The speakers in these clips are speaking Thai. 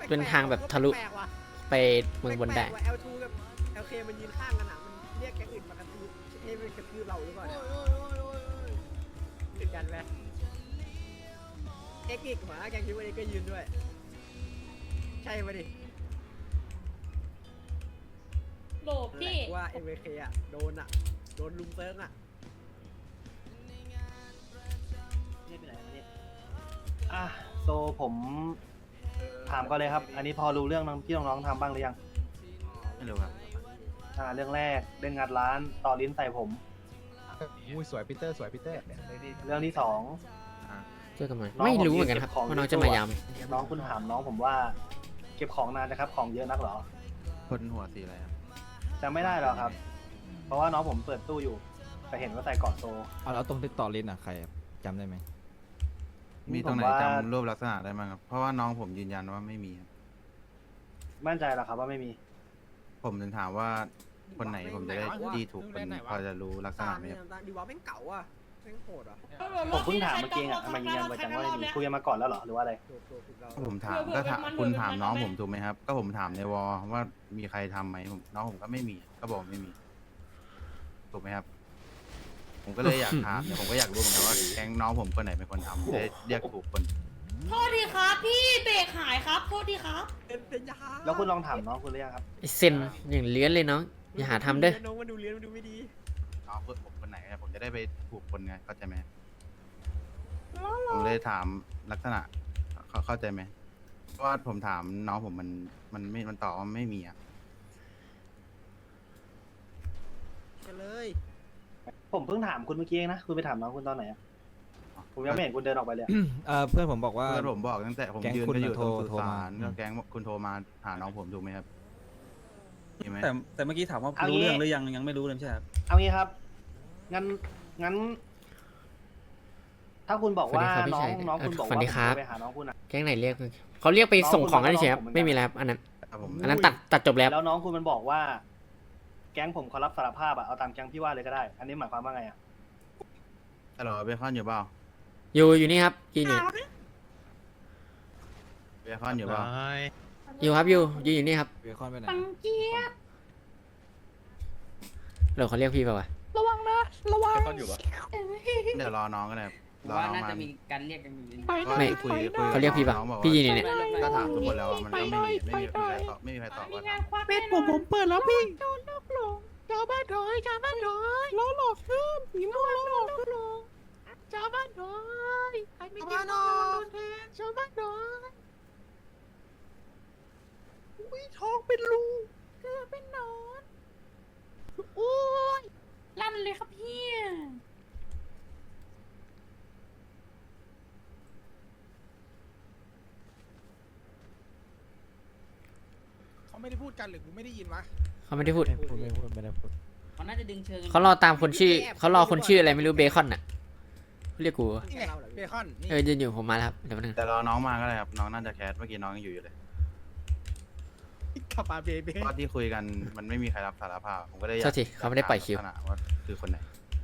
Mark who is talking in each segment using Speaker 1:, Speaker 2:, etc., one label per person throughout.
Speaker 1: เป็นทางแบบทะลุ
Speaker 2: แปลกๆว่ะ
Speaker 1: ไปเมืองบนได้
Speaker 2: แปลกๆว่ะ L2 กับ LK มันยืนข้างกันอ่ะมันเรียกแก๊งอื่นมากระทืบให้มันกระทืบเราหรือเปล่าเนี่ยติดกันไหมเอ็กซ์อีกหัวหน้าแก๊งคิดว่าเอ็กซ์ก็ยืนด้วย ใช่ไหมดิ
Speaker 3: โหลพี่
Speaker 2: แหละว่า MK อ่ะโดนลุมเซิร์งอ่ะนี่เป็นไรวะเนี่ย
Speaker 4: อ่ะโซผมถามก่อนเลยครับ อันนี้พอรู้เรื่องที่น้องๆทำบ้างหรือยัง
Speaker 5: ไม่รู้ครับ
Speaker 4: เรื่องแรกเรื่องงัดร้านต่อลิ้นใส่ผม
Speaker 6: อุ้ยสวยปีเตอร์สวยปีเตอร์
Speaker 4: เรื่องที่สอง
Speaker 1: เจอกันไหม
Speaker 4: น้อง
Speaker 1: ไม่รู้เหมือนกันครับ
Speaker 4: ผม
Speaker 1: ว่าน้องจะมายาม
Speaker 4: น้องคุณถามน้องผมว่า เก็บของนานนะครับ ของเยอะนักเหรอ
Speaker 5: คนหัวสีอะไรครับ
Speaker 4: จำไม่ได้หรอกครับ เพราะว่าน้องผมเปิดตู้อยู่แต่เห็นว่าใส่กอดโซ
Speaker 6: เอาแล้วตรงที่ต่อลิ้นอ่ะใครจำได้ไหม
Speaker 5: มีตรงไหน
Speaker 4: ผมว่า
Speaker 5: จำรูปลักษณะได้บ้างครับ เพราะว่าน้องผมยืนยันว่าไม่มีครับ
Speaker 4: มั่นใจเหรอครับว่าไม่มี
Speaker 5: ผมถึงถามว่าคนไหนผมจะได้ดีถูกคนพอจะรู้ลักษ
Speaker 2: ตา
Speaker 5: ณะ
Speaker 2: ม
Speaker 5: ไหม
Speaker 2: เนี่ย
Speaker 5: ครับ
Speaker 2: ตามดีว่าแม่งเก่าอ่ะแม่งโหดอ่ะ
Speaker 4: ผมเพิ่งถามเมื่อกี้อ่ะทำไมยืนยันไว้จังว่าไม่มีคุยกันมาก่อนแล้วเหรอหรือว่าอะไร
Speaker 2: ถูกเรา
Speaker 5: ผมถามก็ถามคุณถามน้องผมถูกไหมครับ ก็ผมถามในวอว่ามีใครทำไหมน้องผมก็ไม่มี ก็บอกไม่มี ถูกไหมครับ ผมก็เลยอยากถามเนี่ยผมก็อยากรู้เหมือนกันว่าแก๊งน้องผมคนไหนเป็นคนทำจะได้เรียกถูกคน
Speaker 3: โทษทีครับพี่เบรกหายครับโทษทีครับ
Speaker 2: เป็นยา
Speaker 4: แล้วคุณลองถามน้องคุณหรือยังครับ
Speaker 1: ไอ้เซนอย่างเลื้อนเลยน้อง อย่าหาทำเด้อ
Speaker 2: น้องมันดูเลี้ยนมันดูไม่ดี
Speaker 5: น้องเพื่อนผมคนไหนผมจะได้ไปถูกคนไงเข้าใจไหมผมเลยถามลักษณะเข้าใจไหมเพราะว่าผมถามน้องผมมันตอบว่าไม่มีอ่ะ
Speaker 2: กันเลย
Speaker 4: ผมเพิ่งถามคุณเมื่อกี้เองนะ คุณไปถามน้องคุณตอนไหนอะผมยังไม่เห็นคุณเดินออกไปเลย
Speaker 6: เพื่อนผมบอกว่า
Speaker 5: เพื่อนผมบอกตั้งแต่ผม
Speaker 6: แก๊ง
Speaker 5: ยืน
Speaker 6: คุณ
Speaker 5: ก็อยู่ตรง
Speaker 6: โทร
Speaker 5: สุ
Speaker 6: โทร
Speaker 5: สาม
Speaker 6: าน
Speaker 5: ก็แก๊งคุณโทรมาหาน้องผมถูกไหมครับมีไหม
Speaker 7: แต่เมื่อกี้ถามว่า
Speaker 4: เอางี้
Speaker 7: รู้เรื่องหรือยังไม่รู้เลยไม่ใช่ครับ
Speaker 4: เอางี้ครับ งั้น ถ้าคุณบอกว่า
Speaker 1: สวัสดี
Speaker 4: น้
Speaker 1: ค
Speaker 4: อ
Speaker 1: รับพี่ชาย
Speaker 4: งน้องคุณบอก
Speaker 1: สวั
Speaker 4: ว่า
Speaker 1: สดีครับ
Speaker 4: ผมจะไปหาน้องคุณอะ
Speaker 1: แก๊งไหนเรียกเขาเรียกไปส่งของกันเฉยๆครับ
Speaker 4: น้องคุณ
Speaker 1: ไม่มีแล้วครับอันนั้น
Speaker 5: ครับผม
Speaker 1: อันนั้นตัดจบแล้ว
Speaker 4: แล้วน้องคุณมันบอกว่า แก๊งผมเขารับสารภาพอะเอาตามแก๊งพี่ว่าเลยก็ได้ อันนี้หมายความว่าไงอะ
Speaker 5: ฮัลโหลเบคอนอยู่เปล่า
Speaker 1: อยู่นี่ครับยืนอยู่
Speaker 5: เบคอนอยู่เปล่า
Speaker 1: อยู่ครับอยู่อยู่นี่ครับ
Speaker 6: เบคอนไปไหน
Speaker 3: ปังเจี๊ยบ
Speaker 1: เดี๋ยวเขาเรียกพี่เปล่าวะ
Speaker 3: ระวังนะระวัง
Speaker 6: เบคอนอยู่ปะ
Speaker 5: เดี๋ยวรอน้องกันเลยรอ
Speaker 8: ว่า
Speaker 5: น้อง
Speaker 8: น่า
Speaker 5: มา
Speaker 8: จะมีการเรียกกันอยู่
Speaker 5: ก็
Speaker 1: ไม่
Speaker 5: คุย
Speaker 1: เขาเรียกพี่ปะ
Speaker 5: น้องบอกว่า
Speaker 1: พี่ยืนอยู่เนี่ย
Speaker 5: ก็ถามทุกคนแล้วว่ามันก็ไม่มีใครตอบไม่มีใครตอบว่าทำ
Speaker 3: เป็นผมเปิดแล้วพี่โดนนกหลงชาวบ้านถอยชาวบ้านถอยล้อหลอกขึ้นผีม่วงล้อหลอกขึ้นชาวบ้านถอยใครไม่กินข้าวโดนแทงชาวบ้านถอยอุ้ยท้องเป็นรูเกลือเป็นหนอนโอ้ยลั่นเลยครับพี่
Speaker 6: เขาไม่ได้พูดกันหรือกูไม่ได้ยินวะ
Speaker 1: เขาไม่ได้พูด
Speaker 6: ไม่ได้พูด
Speaker 8: เขาน่าจะดึงเชิง
Speaker 1: เขารอตามคนชื่อเขารอคนชื่ออะไรไม่รู้เบคอนน่ะเรียกกู
Speaker 6: นี่ไงเบคอนนี่
Speaker 1: ยืนอยู่ผมมาแล้วครับเดี๋ยวแป๊บนึง
Speaker 5: แต่รอน้องมาก็ได้ครับน้องน่าจะแคสเมื่อกี้น้องยังอยู่เลย
Speaker 6: ขับมาเบเบ้
Speaker 5: เพราะที่คุยกันมันไม่มีใครรับสารภาพผมก็เลยอยา
Speaker 1: โท
Speaker 5: ก
Speaker 1: ษทีเขาไม่ได้ปล่อยคิว
Speaker 5: ลักษณะว่าคือคนไหน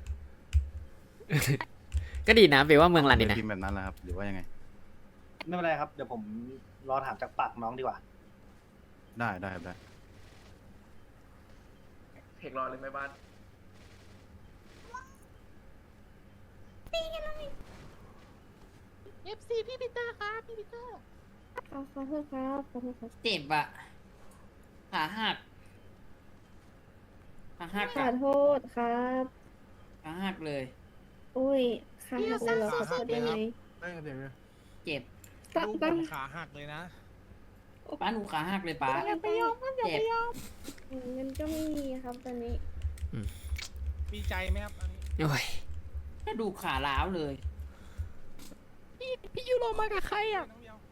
Speaker 1: ก็ดีนะเบว่าเมืองรันดีนะ
Speaker 5: พิมพ์แบบนั้นแหละครับหรือว่ายังไง
Speaker 4: ไม่เป็นไรครับ เดี๋ยวผมรอถามจากปากน้องดีกว่า
Speaker 5: ได้ครับได้
Speaker 9: เพลงรอเลยไหมบ้าน
Speaker 3: เอฟซีพี่ปีเตอร์ครับพี่ปีเตอร์
Speaker 10: ขอโทษครับขอโทษครับ
Speaker 8: เจ็บอะขาหักขาหัก
Speaker 10: ขอโทษครับ
Speaker 8: ขาหักเลย
Speaker 10: อุ้ยขาหักเลยเหรอขอโทษได้ไหม
Speaker 6: เดี๋ยว
Speaker 8: เจ็บ
Speaker 10: ตั้ง
Speaker 6: ลูก
Speaker 10: ตั้ง
Speaker 6: ผมขาหักเลยนะ
Speaker 8: ป้าหนูขาหักเลยป้า
Speaker 3: อย่าไปยอมมันอย่า
Speaker 8: เจ็
Speaker 3: ไป
Speaker 8: บ
Speaker 3: ยอม
Speaker 10: เงินก็ไม่มีครับตอนนี้
Speaker 6: มีใจไหมครับอันนี้
Speaker 1: โอ้ย
Speaker 8: กระดูกขาล้าวเลย
Speaker 3: พี่ยูโรมากับใครอ่ะ
Speaker 6: น้องเดียว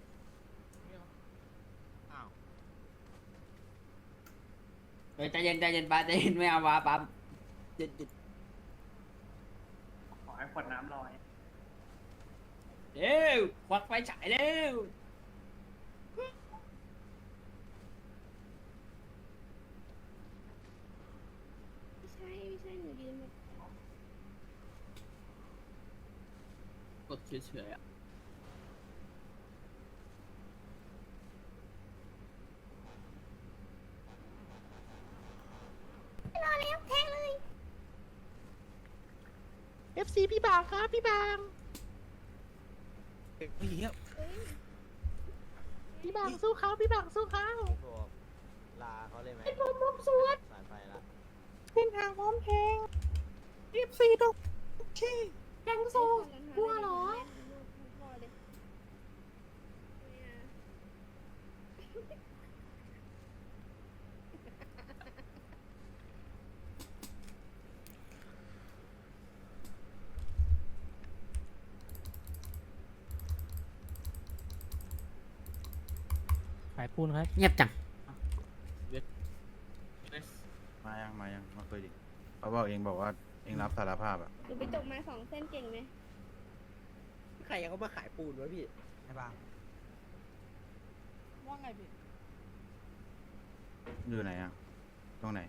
Speaker 6: อ้าว
Speaker 8: เฮ้ยใจเย็นป้าใจเย็นไม่เอาวะป้าเจ็บ
Speaker 4: ขอให้ขวดน้ำลอย
Speaker 8: เร็วควักไฟฉายเร็ว
Speaker 10: ไม่ใช่หนูยืนแบบ
Speaker 8: กดเฉยๆอะ
Speaker 3: FC พี่บางครับพี่บาง
Speaker 6: เฮ้ยเหี้ย
Speaker 3: พี่บางสู้เขาพี่บางสู้เขา
Speaker 2: ลาเขาเลยไหม
Speaker 3: ไอ้ผมมุกสวด
Speaker 2: สายไฟละ
Speaker 3: เส้นทางพร้อมเพลง FC ตกขี้แกงโซกลัวเหรอ
Speaker 6: ขายปูนครับ
Speaker 1: เงียบจัง
Speaker 5: มายังมาคุยดิเขาบอกเองบอกว่าเองรับสารภาพอ่ะ
Speaker 10: หนูไปจบมา2 เส้นเก่งไหม
Speaker 2: ใครเขามาขายปูนวะพี่
Speaker 6: ไอ้บางว่าไงพี่
Speaker 5: อยู่ไหนอ่ะตรงไหน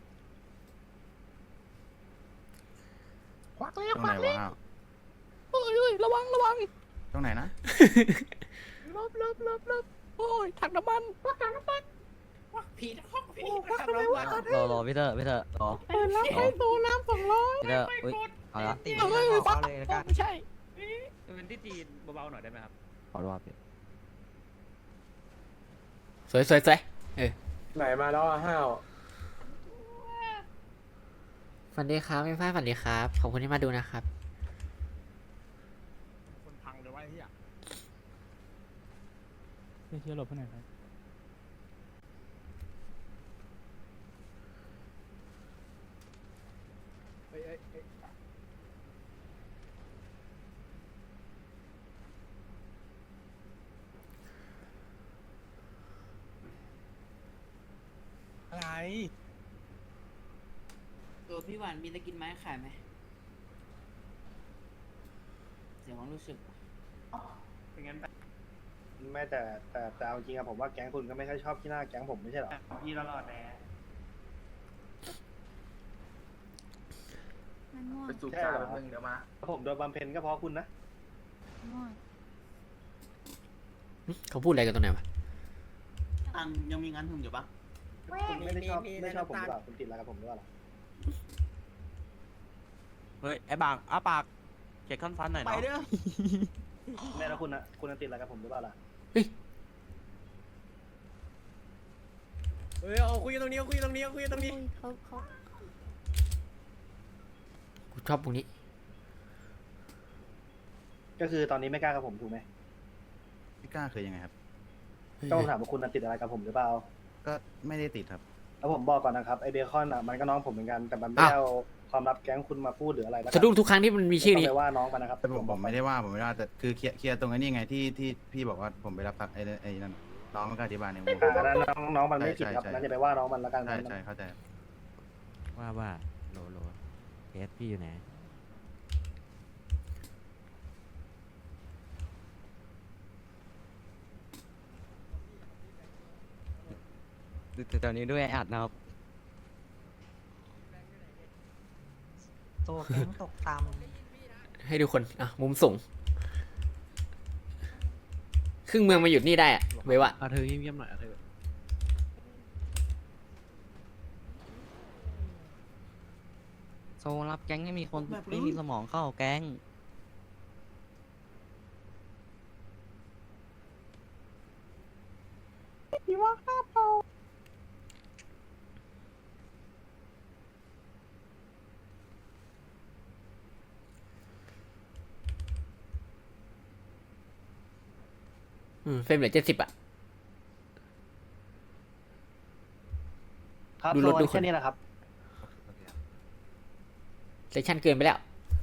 Speaker 3: ควักเลย
Speaker 5: ตรง
Speaker 3: ค
Speaker 5: ไหน
Speaker 3: วักเล
Speaker 5: วะ
Speaker 3: ย
Speaker 5: อ้าว
Speaker 3: เอ้ยระวัง
Speaker 5: ตรงไหนนะ
Speaker 3: ลบโอ้ยถังน้ำมันควักถังน้ำมัน
Speaker 8: ผีนะห้องผี
Speaker 3: โอ้ควักทำไมวะ
Speaker 7: รอพี่เตอร์รอ
Speaker 3: เปิดแล้วให้โซน้ำ200
Speaker 7: พี่เตอร์อุ้ยเอาละ
Speaker 3: เฮ้ยควักไม่ใช่
Speaker 8: เป็นที่จีนเบาๆหน่อยได้ไหมครับ
Speaker 7: ขอรอพี่
Speaker 1: สวยเออ
Speaker 6: ไหนมาแล้วห้าว
Speaker 1: ฝันดีครับไม่พลาดฝันดีครับ ขอบคุณที่มาดูนะครับ
Speaker 6: คนพังเลยว่าไอ้เหี้ยเชื่อหลบไปไหนครับ
Speaker 2: เฮ้ย
Speaker 6: อะไร
Speaker 8: ตัวพี่หวานมีตะกินไม้ขายไหมเสียงความรู้สึกเป็นงั้นไป
Speaker 4: ไม่แต่เอาจริงอะผมว่าแก๊งคุณก็ไม่ค่อยชอบที่หน้าแก๊งผมไม่ใช่เหรอ
Speaker 8: พี่ตลอดแน่
Speaker 10: มันง่วง
Speaker 4: ใช่เหรอผมโดนบำเพ็ญก็เพราะคุณนะ
Speaker 10: ง่วง
Speaker 1: เขาพูดอะไรกันตรงไหนวะ
Speaker 8: ตังยังมีงานถึงอยู่ปะ
Speaker 4: คุณไม่ได้ชอบผมหรือเปล่าคุณติดอะไรกับผมหรือเปล่าล่ะ
Speaker 7: เฮ้ยไอ้บางอ้าปากเช็คขั้นฟันหน่อย
Speaker 8: ไป
Speaker 7: เนาะ
Speaker 8: เด้อ
Speaker 4: แม่แล้วคุณติดอะไรกับผมหรือเปล่าล่ะ
Speaker 2: เฮ้ยเอาคุยกันตรงนี้คุยกันตรงนี้คุยกันตรงนี้
Speaker 10: เขา
Speaker 1: กูชอบตรงนี้
Speaker 4: ก็คือตอนนี้ไม่กล้ากับผมถูกไหม
Speaker 5: พี่ก้าเคยยังไงครับ
Speaker 4: ก็ผมถามว่าคุณติดอะไรกับผมหรือเปล่า
Speaker 5: ก็ไม่ได้ติดครับ
Speaker 4: แล้วผมบอกก่อนนะครับไอเบคอนอ่ะมันก็น้องผมเหมือนกันแต่มันไม่ได้เอาความลับแก๊งคุณมาพูดหรืออะไรแล้ว
Speaker 1: สะดุ้งทุกครั้งที่มันมีชื่อนี้
Speaker 4: ไม่ต้องไปว่าน้องมันนะครับ
Speaker 5: แต่ผมไม่ได้ว่าแต่คือเคลียร์ตรงนี้ไงที่พี่บอกว่าผมไปรับไอ้นั่นน้องมันก็อธิบายในมุม
Speaker 4: อันนั้นน้องมันไม่ผิดครับ
Speaker 5: ใช่
Speaker 4: นั่นจะไปว่าน้องมันแล้วกัน
Speaker 5: ใช่เข้าใจ
Speaker 7: ว่าโหลเอสพี่อยู่ไหนตอนนี้ด้วยอัดนะครับ
Speaker 3: โตแก๊งตกต่
Speaker 1: ให้ดูคนอ่ะมุมสูงครึ่งเมืองมาหยุดนี่ได้อะเว้ยวะ
Speaker 6: เธอเงียบๆหน่อยเธอ
Speaker 7: โซรับแก๊งให้มีคนไม่มีสมองเข้าแก๊ง
Speaker 3: ำพี่ว่าข้าเผา
Speaker 1: เฟรมเหลือ70อ่ะ
Speaker 4: ครับ
Speaker 1: ดูรถ
Speaker 4: โซน
Speaker 1: ดูคน
Speaker 4: แค่นี้แหละครับ
Speaker 1: เซสชั่นเกินไปแล้ว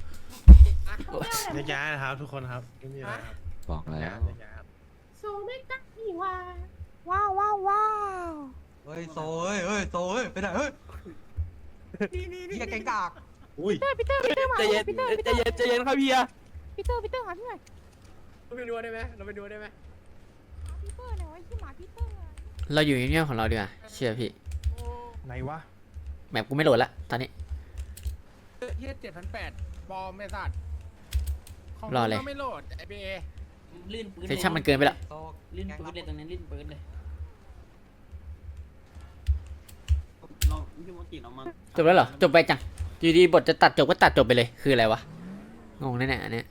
Speaker 6: ย้ายนะครับทุกคนครับไม่มีอะไรครับ
Speaker 7: บอกแล้ว
Speaker 6: ย้ายครับ
Speaker 3: โซไม่กล้าพี่ว่าว้าว
Speaker 7: เฮ้ยโซโซไปไหนเฮ้ยเฮียแกงกาก
Speaker 6: อุ้ย
Speaker 3: พีเตอร์มาใจเย็นครับเฮียพีเตอร์หาพี่หน่อย
Speaker 2: เราไปดูได้ไหมเราไปดูได้ไหม
Speaker 3: พีเตอร์หน่อยที่หมาพีเตอร์
Speaker 1: เราอยู่เงียบๆของเราดีกว่าเชื่อพี่
Speaker 6: ไหนวะ
Speaker 1: แมปกูไม่โหลดละตอนนี้
Speaker 6: เฮีย7,800ปอมไม่สัตว์ของ
Speaker 1: รอเลย
Speaker 6: ก็ไม่โหลดไอเบ
Speaker 8: ลื่นปืน
Speaker 1: เซสชั่นมันเกินไปแล้ว
Speaker 8: ลื่นปืนเลยตรงนี้ลื่นปืนเลยลองพี่มดจิเรามา
Speaker 1: จบแล้วเหรอจบไปจังอยู่ดีบทจะตัดจบก็ตัดจบไปเลยคืออะไรวะงงแน่ๆอันเนี้ย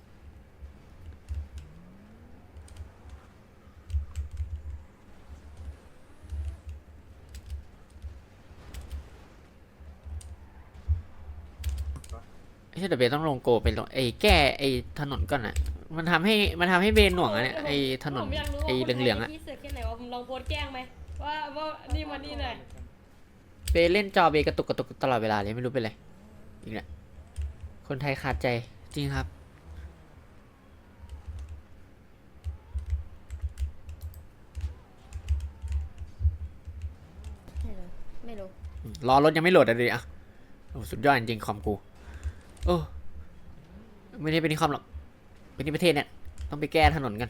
Speaker 1: ไม่ใช่เดี๋ยวเบย์ต้องลงโกไปลงแก้ถนนก่อนอะมันทำให้เบย์หน่วงอะเนี่ยถนน
Speaker 10: ผมอยากรู้ว่า
Speaker 1: เหลืองๆอะ
Speaker 10: พี่เสือกแค่ไหนว่าผมลองโพสต์แกล้งไหมว่านี่มานี่หน่อย
Speaker 1: เบย์เล่นจอเบย์กระตุกตลอดเวลาเลยไม่รู้เป็นไรอีกแล้วคนไทยขาดใจจริงครับ
Speaker 10: ไม่รู้
Speaker 1: รอรถยังไม่โหลดเลยอ่ะโอ้สุดยอดจริงๆคอมกูโอ้ไม่ได้เป็นที่คอมหรอกเป็นที่ประเทศเนี่ยต้องไปแก้ถนนกัน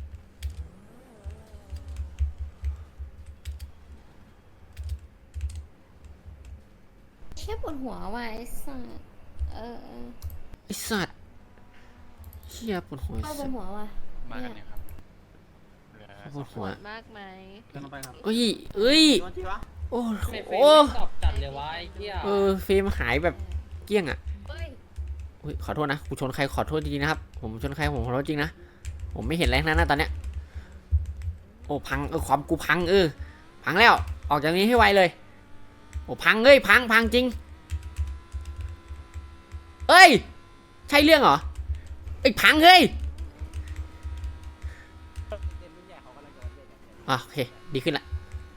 Speaker 10: แค่ปวดหัวว่ะไอ้สัส
Speaker 1: ไอ้สัตว์เชี่ยปวดหัว
Speaker 10: เข้าปวดหัวว่ะ
Speaker 5: มากันเนี่ยครับ
Speaker 1: ปวดหัว
Speaker 10: มากไหม
Speaker 7: เดินลงไปครับ
Speaker 1: เอ้ยโอ้
Speaker 8: ไม่เฟ
Speaker 1: โห
Speaker 8: ตอบจัดเลยวะไอ้เหี้ย
Speaker 1: เฟรมหายแบบเกลี้ยงอ่ะ
Speaker 10: เฮ้ย
Speaker 1: อุ๊ยขอโทษนะกูชนใครขอโทษจริงๆนะครับผมชนใครผมขอโทษจริงนะผมไม่เห็นอะไรทั้งนั้นนะตอนเนี้ยโอ้พังความกูพังพังแล้วออกจากนี้ให้ไวเลยโอ้พังพังจริงเอ้ยใช่เรื่องเหรอพังโอเคดีขึ้นละ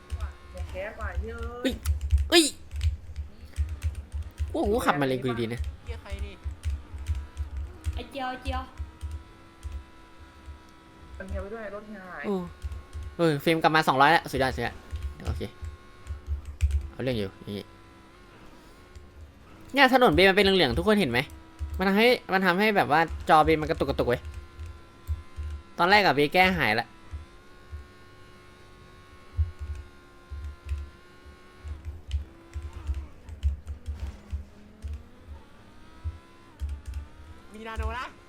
Speaker 1: เอ้ยโอ้โหขับมาเลยกูดีๆนะ
Speaker 10: ไอ้เจียว
Speaker 1: โอ้เฟรมกลับมา200แล้วสุดยอดโอเคเอาเรื่องอยู่อย่างงี้เนี่ยถนนเบย์มันเป็นเหลืองๆทุกคนเห็นไหมมันทำให้แบบว่าจอเบย์มันกระตุกเว้ยตอนแรกอะเบย์แก้หายละ
Speaker 2: มีนาโนนะ